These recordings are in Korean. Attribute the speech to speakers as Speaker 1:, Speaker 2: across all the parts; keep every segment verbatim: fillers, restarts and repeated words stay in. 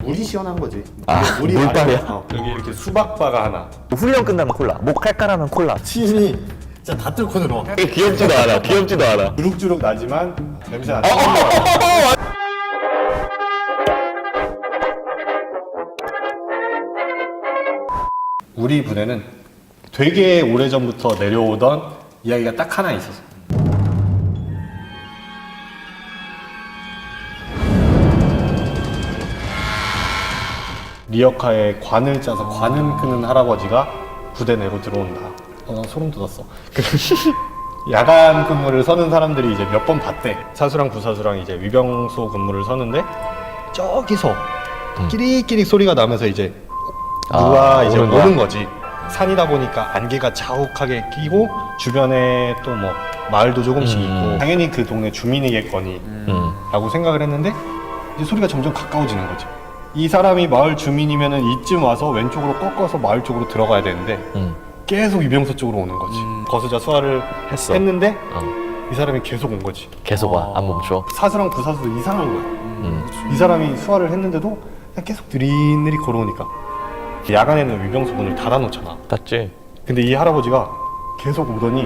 Speaker 1: 물이 시원한 거지.
Speaker 2: 아,
Speaker 1: 물이
Speaker 2: 물빨이야?
Speaker 1: 마려- 어. 여기 이렇게 수박바가 하나.
Speaker 2: 훈련 끝나면 콜라, 목 칼칼하면 콜라.
Speaker 1: 침이 진짜 다 뚫고 들어.
Speaker 2: 귀엽지도 않아, 귀엽지도 않아.
Speaker 1: 주룩주룩 나지만 냄새 안 나. 우리 부대는 되게 오래전부터 내려오던 이야기가 딱 하나 있었어. 리어카에 관을 짜서 관음 끄는 할아버지가 부대 내로 들어온다. 어, 난 소름 돋았어. 야간 근무를 서는 사람들이 이제 몇 번 봤대. 사수랑 부사수랑 이제 위병소 근무를 서는데 저기서 끼리끼리 소리가 나면서 이제 누가
Speaker 2: 아,
Speaker 1: 이제
Speaker 2: 오는 거야?
Speaker 1: 오는 거지. 산이다 보니까 안개가 자욱하게 끼고 주변에 또 뭐 마을도 조금씩
Speaker 2: 음.
Speaker 1: 있고 당연히 그 동네 주민이겠거니
Speaker 2: 음.
Speaker 1: 라고 생각을 했는데 이제 소리가 점점 가까워지는 거지. 이 사람이 마을 주민이면은 이쯤 와서 왼쪽으로 꺾어서 마을 쪽으로 들어가야 되는데
Speaker 2: 음.
Speaker 1: 계속 위병소 쪽으로 오는 거지. 거수자 수화를
Speaker 2: 했어.
Speaker 1: 했는데
Speaker 2: 어.
Speaker 1: 이 사람이 계속 온 거지.
Speaker 2: 계속 와, 안 멈춰.
Speaker 1: 사수랑 부사수도 이상한 거야.
Speaker 2: 음.
Speaker 1: 이 사람이 수화를 했는데도 그냥 계속 느릿느릿 걸어오니까 야간에는 위병소 문을 닫아놓잖아.
Speaker 2: 닫지?
Speaker 1: 근데 이 할아버지가 계속 오더니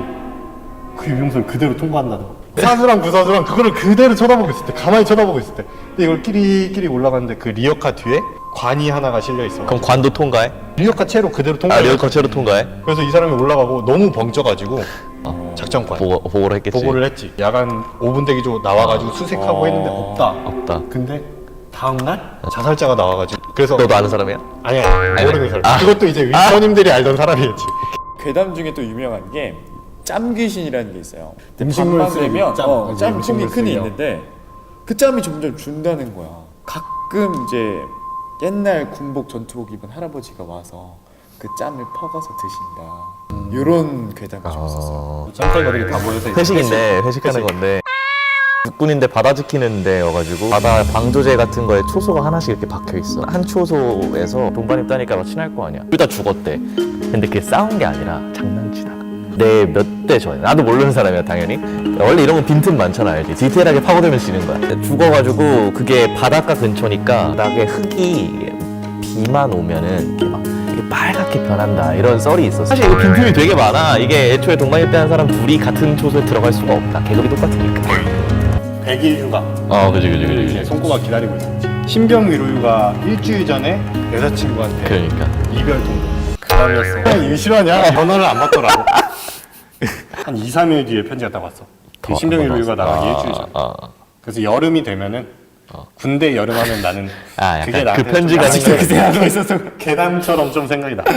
Speaker 1: 그 위병소를 그대로 통과한다더라고. 사수랑 부사수랑 그거를 그대로 쳐다보고 있을 때, 가만히 쳐다보고 있을 때, 근데 이걸 끼리끼리 올라가는데 그 리어카 뒤에 관이 하나가 실려 있어.
Speaker 2: 그럼 관도 통과해?
Speaker 1: 리어카 채로 그대로
Speaker 2: 아,
Speaker 1: 통과해.
Speaker 2: 리어커 채로 통과해?
Speaker 1: 그래서 이 사람이 올라가고 너무 벙쪄가지고
Speaker 2: 어.
Speaker 1: 작전관
Speaker 2: 보고, 보고를 했겠지.
Speaker 1: 보고를 했지. 야간 오 분 대기조 나와가지고 수색하고
Speaker 2: 어.
Speaker 1: 했는데 없다.
Speaker 2: 없다.
Speaker 1: 근데 다음날 자살자가 나와가지고 그래서
Speaker 2: 너도 아는 사람이야?
Speaker 1: 아니야 모르는 사람.
Speaker 2: 아.
Speaker 1: 그것도 이제 윗선임들이 알던 사람이었지.
Speaker 3: 괴담 중에 또 유명한 게 짬귀신이라는 게 있어요.
Speaker 1: 음식물
Speaker 3: 밤만
Speaker 1: 쓰레기,
Speaker 3: 되면
Speaker 1: 짬.
Speaker 3: 어,
Speaker 1: 이제
Speaker 3: 짬
Speaker 1: 음식물
Speaker 3: 콩이 큰이
Speaker 1: 쓰레기요.
Speaker 3: 있는데 그 짬이 점점 준다는 거야. 가끔 이제 옛날 군복 전투복 입은 할아버지가 와서 그 짬을 퍼가서 드신다. 이런 괴담이 좀 있었어요.
Speaker 2: 어.
Speaker 1: 짬털거리가 다 모여서 이제
Speaker 2: 회식인데, 회식하는
Speaker 1: 회식.
Speaker 2: 건데. 육군인데 바다 지키는 데여가지고 바다 방조제 같은 거에 초소가 하나씩 이렇게 박혀 있어. 한 초소에서 동반입 따니까 막 친할 거 아니야. 둘 다 죽었대. 근데 그게 싸운 게 아니라 장난치다가 내 몇 대 전에 나도 모르는 사람이야 당연히. 원래 이런 건 빈틈 많잖아 알지. 디테일하게 파고들면 지는 거야. 근데 죽어가지고 그게 바닷가 근처니까 바닥에 흙이 비만 오면은 이렇게 막 이렇게 빨갛게 변한다 이런 썰이 있었어. 사실 이거 빈틈이 되게 많아. 이게 애초에 동반입 대한 사람 둘이 같은 초소에 들어갈 수가 없다. 계급이 똑같으니까.
Speaker 1: 백 일 휴가.
Speaker 2: 어, 그지, 그지, 그지,
Speaker 1: 이제
Speaker 2: 그지.
Speaker 1: 손꼽아 기다리고 있었지. 신병 위로휴가 일주일 전에 여자친구한테
Speaker 2: 그러니까.
Speaker 1: 이별 통보. 그 다음이었어. 일 싫어하냐? 전화를 안 받더라고. 한 이, 삼 일 뒤에 편지가 딱 왔어. 그 신병 위로휴가 나가기 일주일 전.
Speaker 2: 아,
Speaker 1: 그래서 여름이 되면은 군대 여름하면 나는
Speaker 2: 아,
Speaker 1: 그게
Speaker 2: 약간
Speaker 1: 나한테
Speaker 2: 그 편지가
Speaker 1: 좀
Speaker 2: 생각이
Speaker 1: 그 생각하고 있었어. 계담처럼 좀 생각이 나.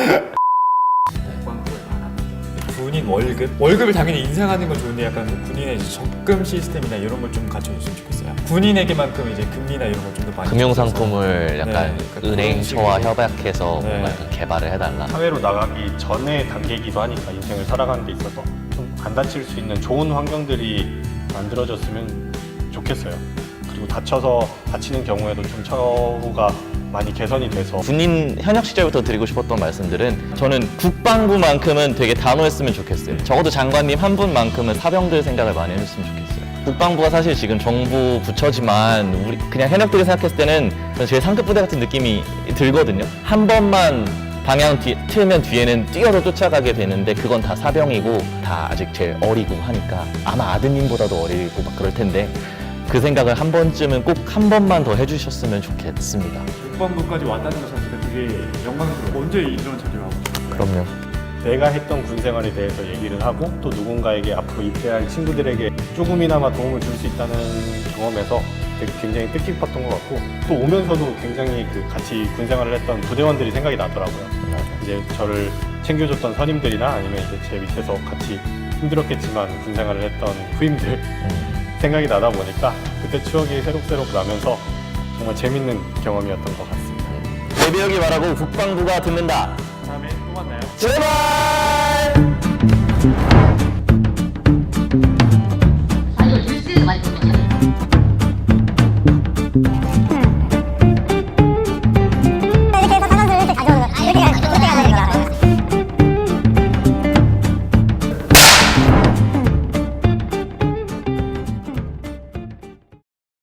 Speaker 3: 군인 월급? 월급을 당연히 인상하는 건 좋은데 약간 뭐 군인의 이제 적금 시스템이나 이런 걸 좀 갖춰줬으면 좋겠어요. 군인에게만큼 이제 금리나 이런 걸 좀 더 많이
Speaker 2: 금융
Speaker 3: 줘서.
Speaker 2: 상품을 약간
Speaker 3: 네, 그러니까
Speaker 2: 은행처와
Speaker 3: 그런 식으로.
Speaker 2: 협약해서
Speaker 3: 네.
Speaker 2: 뭔가 좀 개발을 해달라.
Speaker 1: 사회로 나가기 전에 단계이기도 하니까 인생을 살아가는 데 있어서 좀 안 다칠 수 있는 좋은 환경들이 만들어졌으면 좋겠어요. 그리고 다쳐서 다치는 경우에도 좀 처우가 많이 개선이 돼서
Speaker 2: 군인 현역 시절부터 드리고 싶었던 말씀들은 저는 국방부만큼은 되게 단호했으면 좋겠어요. 적어도 장관님 한 분만큼은 사병들 생각을 많이 해줬으면 좋겠어요. 국방부가 사실 지금 정부 부처지만 우리 그냥 현역들이 생각했을 때는 제일 상급 부대 같은 느낌이 들거든요. 한 번만 방향 뒤, 틀면 뒤에는 뛰어서 쫓아가게 되는데 그건 다 사병이고 다 아직 제일 어리고 하니까 아마 아드님보다도 어리고 막 그럴 텐데 그 생각을 한 번쯤은 꼭 한 번만 더 해주셨으면 좋겠습니다.
Speaker 3: 국방부까지 왔다는 것 자체가 되게 영광스러워. 언제 이런 자리를 하고 싶어요?
Speaker 2: 그럼요.
Speaker 1: 내가 했던 군 생활에 대해서 얘기를 하고 또 누군가에게 앞으로 입대할 친구들에게 조금이나마 도움을 줄 수 있다는 경험에서 되게 굉장히 뜻깊었던 것 같고 또 오면서도 굉장히 그 같이 군 생활을 했던 부대원들이 생각이 나더라고요. 이제 저를 챙겨줬던 선임들이나 아니면 이제 제 밑에서 같이 힘들었겠지만 군 생활을 했던 후임들
Speaker 2: 음.
Speaker 1: 생각이 나다 보니까 그때 추억이 새록새록 나면서 정말 재밌는 경험이었던 것 같습니다.
Speaker 2: 내배역이 말하고 국방부가 듣는다.
Speaker 3: 다음에 또 만나요.
Speaker 2: 제발!